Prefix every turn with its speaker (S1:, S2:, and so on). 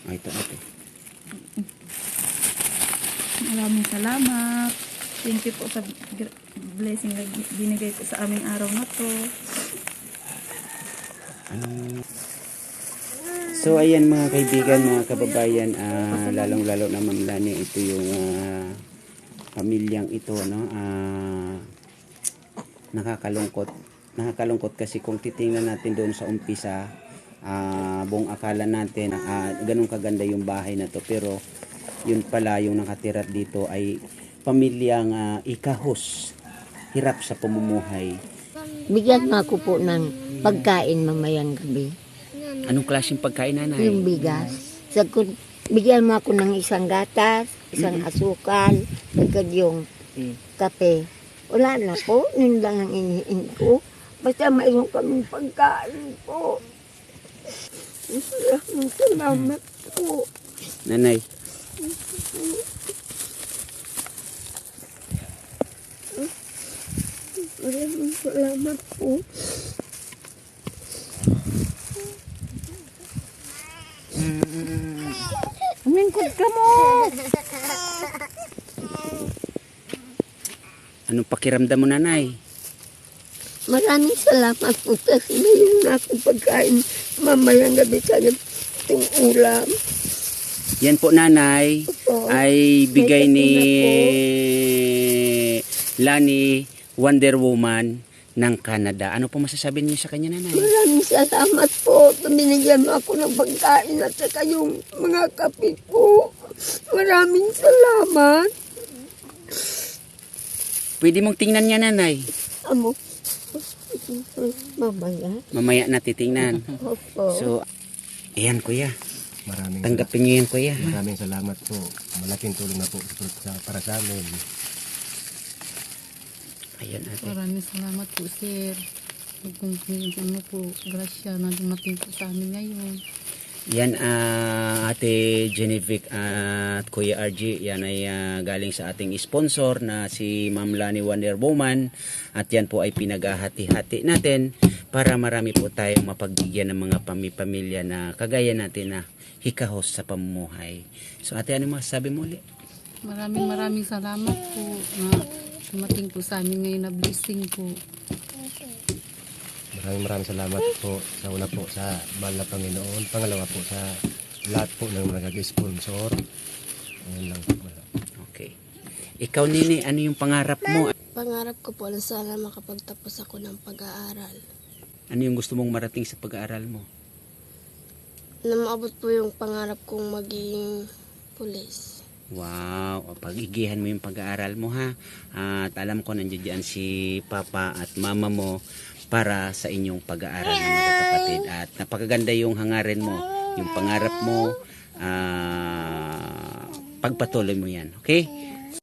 S1: Ay, ito ate.
S2: Maraming salamat. Thank you po sa blessing na binigay po sa aming araw na to.
S1: So ayan mga kaibigan, mga kababayan, lalong-lalo na Ma'am Lani, ito yung pamilyang ito, no? Nakakalungkot kasi kung titingnan natin doon sa umpisa, buong akala natin ganun kaganda yung bahay na to, pero yun pala yung nakatira dito ay pamilyang ikahos, hirap sa pamumuhay.
S3: Bigyan mo ako po ng pagkain mamayang gabi.
S1: Anong klaseng pagkain, nanay?
S3: Yung bigas. Bigyan mo ako ng isang gatas, isang asukal, agad yung kape. Wala na po, yun lang ang iniin ko. Basta mayroon kaming pagkain po. Salamat po.
S1: Nanay.
S3: Maraming salamat po.
S2: Umingkod ka mo!
S1: Anong pakiramdam mo, nanay?
S3: Maraming salamat po kasi mayroon na akong pagkain mamayang gabi sa itong ulam.
S1: Yan po, nanay,
S3: Opo.
S1: ay bigay
S3: May
S1: ni
S3: kasina
S1: Lani, Wonder Woman ng Canada. Ano po masasabi niyo sa kanya, nanay?
S3: Maraming salamat po. Binigyan mo ako ng pagkain at saka yung mga kape po. Maraming salamat.
S1: Pwede mong tingnan niya, nanay.
S3: Amo. Mamaya.
S1: Mamaya na titingnan.
S3: Opo.
S1: So, ayan, kuya.
S4: Maraming
S1: Tanggapin niyo yan, kuya.
S4: maraming salamat po. Malaking tulong na po para sa amin.
S1: Ayan, ate.
S2: Maraming salamat po, sir. Kung ano po, grasya na dumating po sa amin ngayon.
S1: Yan, ate Genevieve at Kuya RG, yan ay galing sa ating sponsor na si Ma'am Lani Wonder Woman, at yan po ay pinaghahati-hati natin para marami po tayong mapagbigyan ng mga pamilya na kagaya natin na hikahos sa pamumuhay. So ate, ano masasabi mo ulit?
S2: Maraming salamat po na dumating po sa amin ngayon na blessing po.
S4: Maraming salamat po sa una po sa mahal na Panginoon. Pangalawa po sa lahat po ng nag-sponsor. Ayun lang po.
S1: Okay. Ikaw, Nini, ano yung pangarap mo?
S5: Pangarap ko po na sana makapagtapos ako ng pag-aaral.
S1: Ano yung gusto mong marating sa pag-aaral mo?
S5: Na maabot po yung pangarap kong maging pulis.
S1: Wow, o, pag-igihan mo yung pag-aaral mo, ha. At alam ko nandiyan si Papa at Mama mo para sa inyong pag-aaral ng magkakapatid. At napakaganda yung hangarin mo, yung pangarap mo, pagpatuloy mo yan. Okay?